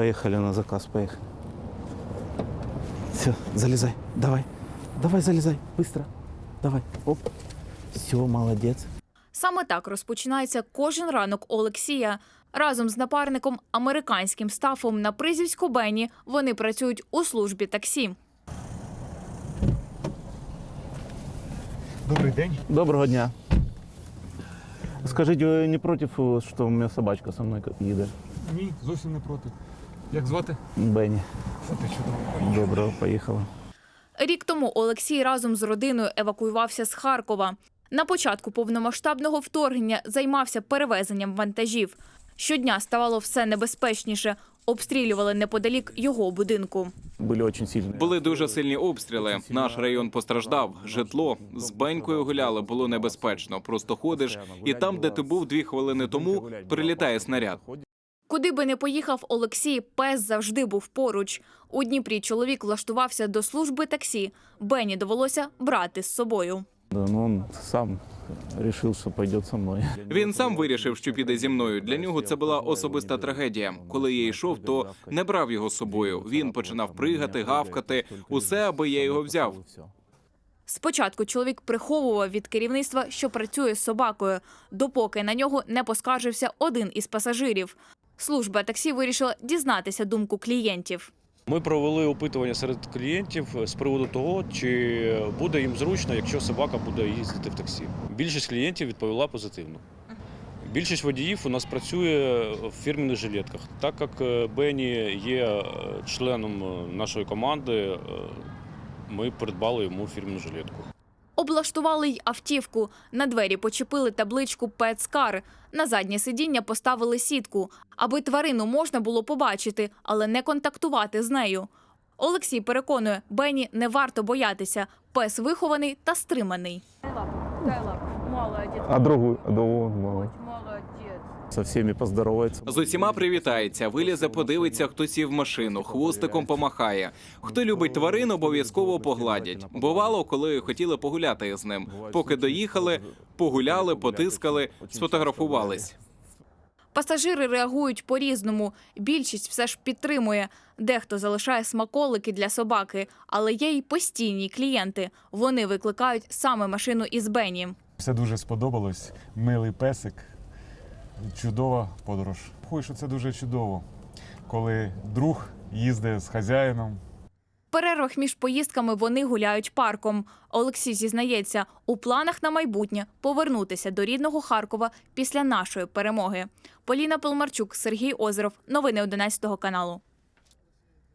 Поехали на заказ, поехали. Все, залезай, давай. Давай, залезай, быстро. Давай, оп. Все, молодець. Саме так розпочинається кожен ранок Олексія. Разом з напарником американським стафом на призівську Бенні вони працюють у службі таксі. Добрий день. Доброго дня. Скажіть, ви не проти, що у мене собачка со мною їде? Ні, зовсім не проти. Як звати? Бенні. Це чудово. Доброго, поїхала. Рік тому Олексій разом з родиною евакуювався з Харкова. На початку повномасштабного вторгнення займався перевезенням вантажів. Щодня ставало все небезпечніше. Обстрілювали неподалік його будинку. Були дуже сильні обстріли. Наш район постраждав. Житло. З Бенькою гуляли, було небезпечно. Просто ходиш, і там, де ти був 2 хвилини тому, прилітає снаряд. Куди би не поїхав Олексій, пес завжди був поруч. У Дніпрі чоловік влаштувався до служби таксі. Бенні довелося брати з собою. Він сам вирішив, що піде зі мною. Він сам вирішив, що піде зі мною. Для нього це була особиста трагедія. Коли я йшов, то не брав його з собою. Він починав пригати, гавкати. Усе, аби я його взяв. Спочатку чоловік приховував від керівництва, що працює з собакою, допоки на нього не поскаржився один із пасажирів. Служба таксі вирішила дізнатися думку клієнтів. Ми провели опитування серед клієнтів з приводу того, чи буде їм зручно, якщо собака буде їздити в таксі. Більшість клієнтів відповіла позитивно. Більшість водіїв у нас працює в фірменних жилетках. Так як Бенні є членом нашої команди, ми придбали йому фірменну жилетку. Облаштували й автівку. На двері почепили табличку «Петскар». На заднє сидіння поставили сітку, аби тварину можна було побачити, але не контактувати з нею. Олексій переконує, Бенні не варто боятися. Пес вихований та стриманий. А другу? Молодець. Со всіми поздоровається. З усіма привітається, вилізе, подивиться, хто сів в машину, хвостиком помахає. Хто любить тварин, обов'язково погладять. Бувало, коли хотіли погуляти з ним. Поки доїхали, погуляли, потискали, сфотографувались. Пасажири реагують по-різному. Більшість все ж підтримує. Дехто залишає смаколики для собаки, але є й постійні клієнти. Вони викликають саме машину із Бенні. Все дуже сподобалось. Милий песик. Чудова подорож. Рахую, що це дуже чудово, коли друг їздить з хазяїном. В перервах між поїздками вони гуляють парком. Олексій зізнається, у планах на майбутнє повернутися до рідного Харкова після нашої перемоги. Поліна Пилмарчук, Сергій Озеров. Новини 11 каналу.